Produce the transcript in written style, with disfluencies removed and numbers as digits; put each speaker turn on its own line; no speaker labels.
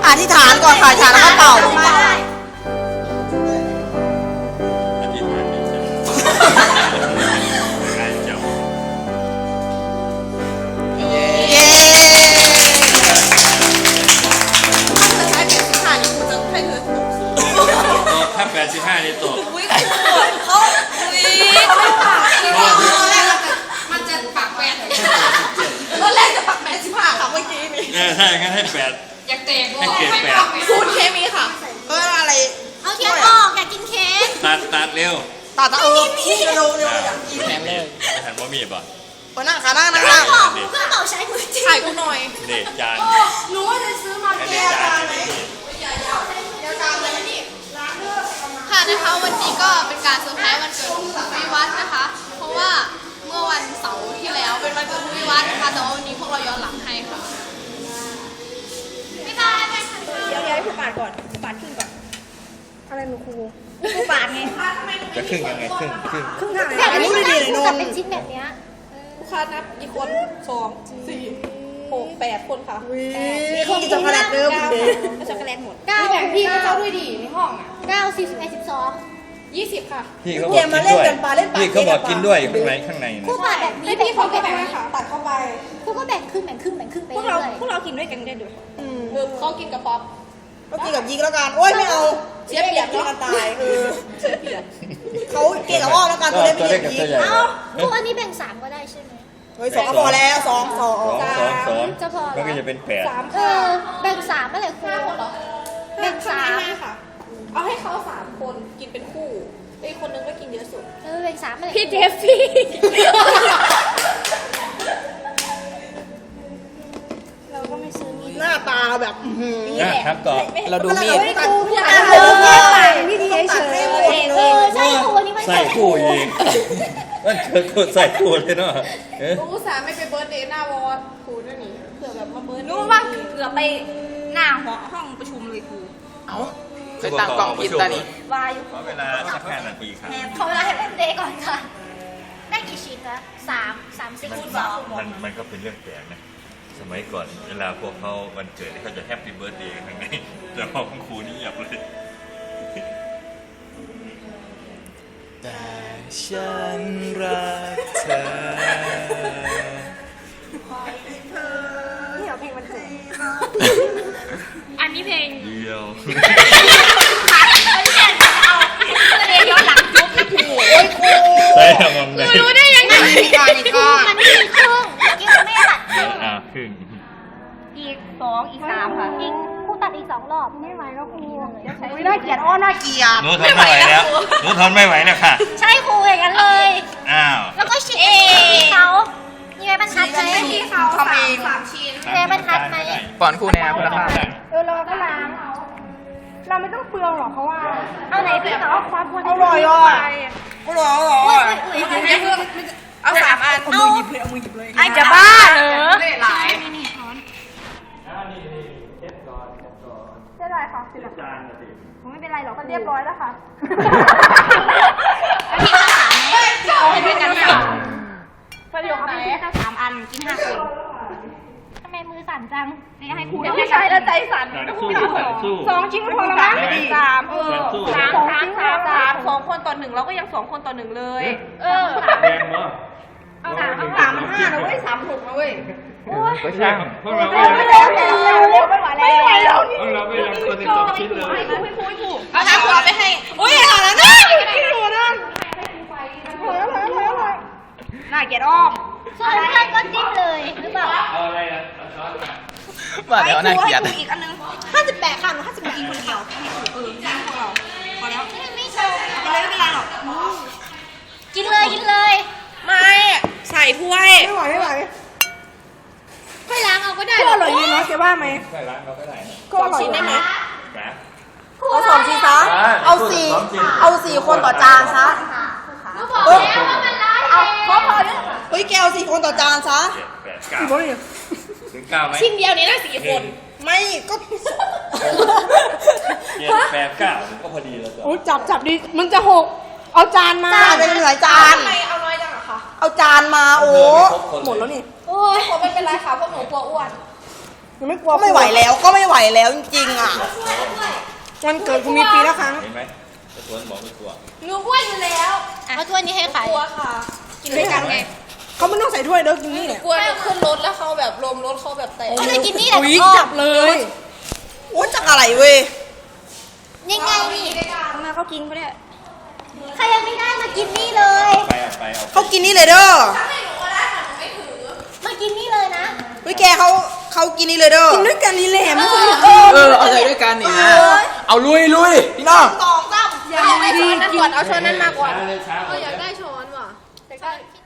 อธิษฐานก่อนค่ะอธิษฐานแล้วก็เป่า
ถ้า85นี่ตก
อุ้ยเขาไม่ปากมันจะปากแปดตอนแรกจะปาก85ค่ะเมื่อกี้นี่
ถ้าอย่างนั้นให้8
อยากแตกให้
เกรด8
พูดเคมีค่ะ
อะไร
เอาเทียนออกอยากกินเค้ก
ตัดเร็ว
ตัดนี่เร็วอยากกิน
แถมเลยหันว่ามีป่ะ
คนนั่งขานั่ง
เครื่องเป่าใช้มือจริงถ่ายกูหน่อย
เด็กจาน
รู้ว่าจะซื้อมาแก้จานไหมค่ะนะคะวันนี้ก็เป็นการเซอร์ไพรส์วันเกิดของวิวัฒน์นะคะเพราะว่าเมื่อวันเสาร์ที่แล้วเป็นวันเกิดวิวัฒน์นะคะแต่ว่าวันนี้พวกเราย้อนหลังให้ค่ะไม่ได้ไม่ทัน
เดี๋ยวให้ผู้ปาดก่อนผู้ปาดครึ่งก่อนอะไรหนูครูผู้ปาดไง
จะครึ่งยังไงครึ่ง
ครึ่งทางไหน
อันนี้ดีเลยนน
เป็นชิ้นแบบเนี้ย
ลูกค้านับกี่คน2 4 6 8คนค่ะ
เขากินช็อกโกแลตเดิม
ช็อกโกแลตหมด
9แบ่งพี่ก็เจ้าด้วยดีในห้องอ่ะ9 10 11 12 20ค่ะ
พี่เขาบอกกินด้วยพี่เขาบอกกินด้วยข้างใน
คู่ปาดแบบนี้พี่เขาแบ่ง
ค่ะตัดเข้าไป
คู่ก็แบ่งครึ่งไป
พวกเรากินด้วยกันได้ด้วย
เขากินกับป๊อป
ก็กินกับยิงแล้วกันโอ้ยไม่เอา
เสียเปรียบ
กินกันตายเสียเปรียบเขาเกลี่ยกับอ้อแล้วกันตัวเล็กไม่ได้ยิง
เอ้าคู่อันนี้แบ่ง3ก็ได้ใช่ไหม
เฮ้ย2ก็พอแล้ว2
จะพอ
มันก็จะเป็น8
แบ่ง3เมื่อไหร่คู่แบ่ง
3ค่ะเอาให้เขา3คนกินเป็นคู่ไอ้คนนึงก็กินเยอะสุด
แบ่ง3เมื่อไหร่
พี่เจฟฟี่เราก็ไม่ซื้อมี
หน้าตาแบบ
ครับต่อ
เราดูมีด
พี่ครูพี่อาพี่ดีเฉย
ใช่ครูนี่มัน
ใส่คู่เองมันเกิดคนใส่คู่เลยเนาะ
อุตส่าห์ไม่ไปเบิร์ดเดย์หน้าวอร์ดครูด้วยนี่เผื่อแบบมาเบิร์ดรู้ว่าเผื่อไปหน้าห้องประชุมเลยครู
เคยตั้งกล่องกินตานี้
วาย
ขอเวลาสัก5 นาทีครับ
ขอเวลาให้เป็นเดย์ก่อนค่ะได้กี่ชิ้นคะ30
มันก็เป็นเรื่องแปลกนะสมัยก่อนเวลาพวกเขาวันเกิดเขาจะแฮปปี้เบิร์ธเดย์กันไงแต่พอคุณครูนี่เงียบเลย
แต่ฉันรักเธอ
นี่เอาเพลงมันเกิด
อันนี้เพลง
เดียว
เรียนย้อนหลังจุ๊บนะครู
ใช่ครับผม
รู้ได้ยังไงมันมีครึ่งเมื่อกี้มันไม่ตัดครึ่ง
ครึ่ง
อีก2อีก3ค่ะ
อีกครูตัดอีก2 รอบ
ไม่ไหวแล้วครู
น่าเกลียดน่าเกลียด
หนูทนไม่ไหวแล้วหนูทนไม่ไหวแล้วค่ะ
ใช่ครูอย่างนั้นเลยแล้วก็ชิ้นเขามีไม้บรรทัดไหม
ที่เขา3ชิ้น
มีไม้บรรทัดไหม
ก่อนครูแนวคุณภาพ
เราก็ล้างเราไม่ต้องเปลืองหรอกเพราะว่า
เอาไหนพี่เขาความควร
อร่อยอ่ะอร่อย
เอา3 อันเอามือหยิบเลย
ไอ้จะบ้าเหรอ
หลายจะได้ค่ะสิละไม่เป็นไรหรอกเรียบร้อยแล้วค่ะ
เอาให้ด้วยกันค่ะ
ประโยคไหนแค่3 อันกิน5 คน
ทำไมมือสั่นจังนี่ให้ครู
ไม่ใช่แล้วใจสั่น2 ชิ้นพอแล้วมั้ง3 2 คนต่อ 1เราก็ยัง2 คนต่อ 1เลย
แดงเนาะ
เอา3 5นะเว้ย3 6นะเว้ย
ก็ช่างพวกเรา
ไม่ไหวแล้วพวก
เราไม่ยังคนที่2 ชิ้นเลย
เอาน้ำขวดไปให้อุ้ยเอาแล้วนะกินหัวนะน่าเกลียดอ้อม
ส่วนเพื่อนก็จิ้มเลยหรือเปล่า
เอาอะไรอ่ะ
ว่าเดี๋ยวน่าเกลียด
อีกอันนึง58ค่ะหนู58กินคนเดียวกินพวกเราพอแล้ว
ไม่โชว์
กินเลยไม่เป็นไรหรอก
กินเลย
ไม่ใส่ถ้วย
ไม่ไหว
ค่อยล้างเอาก็ได้
ก็อร่อยดีเนาะแกว่าไหม
ใช่ร้านเราก็ได้
ก็อร่อยได้ไหม
เอา2 ชิ้นซะเอา4 คนต่อจานซะ
ก็บอกแล้วว่ามันร้าย
เอาพอเนี่ย
เฮ้ยแกเอา4 คนต่อจานซะ
ถึง9ไหม
ชิ้นเดียวนี้ได้4 คน
ไม่ก็
7 8 9ก็พอดีแล้วจ้ะ
โอ้จับดิมันจะ6เอาจานมา
เป็นหลายจาน
ทำไมเอาน้อยจังอะคะ
เอาจานมาโอ้
หมดแล้วนี่โอ้ยไม่เป็นไรค่ะพวกหนูกลัวอ้วน
ยังไม่กลัวก็ไม่ไหวแล้วก็ไม่ไหวแล้วจริงๆอ่ะวันเกิดกูมีปีละครั้ง
เห็นไหมตะทวนบอกไม่กลัว
หนูอ้วนอยู่แล้ว
เอาถ้วยนี้ให้ใคร
กลัวค่ะ กินด้วยกันไง
เขาไม่ต้องใส่ถ้วยเด้อกินนี่เนี่ย
กลัวหนูขึ้นรถแล้วเขาแบบลมรถเขาแบบแตก
เขาจะกินนี่แหละ
อุ๊ยจับเลยโอ้จักอะไรเว้ย
ยังไงนี่
มาเขากินเขาเนี่ย
ใครยังไม่ได้มากินนี่เลย
ไปเอาไปเอา
เขากินนี่เลยเด้อ
มากินนี่เลยนะ
เฮ้ยแกเขากินนี่เลยเด้อกินด้วยกันนี่แหละไม่เคย
เอาใจด้วยกันนี่นะเอาลุยพี่น้อง
เอาไม่ช้อนนั่นก่อนเอาช้อนนั้นมาก่อน
ช้าเลยช้า
อยากได้ช้อนว่ะอยากได้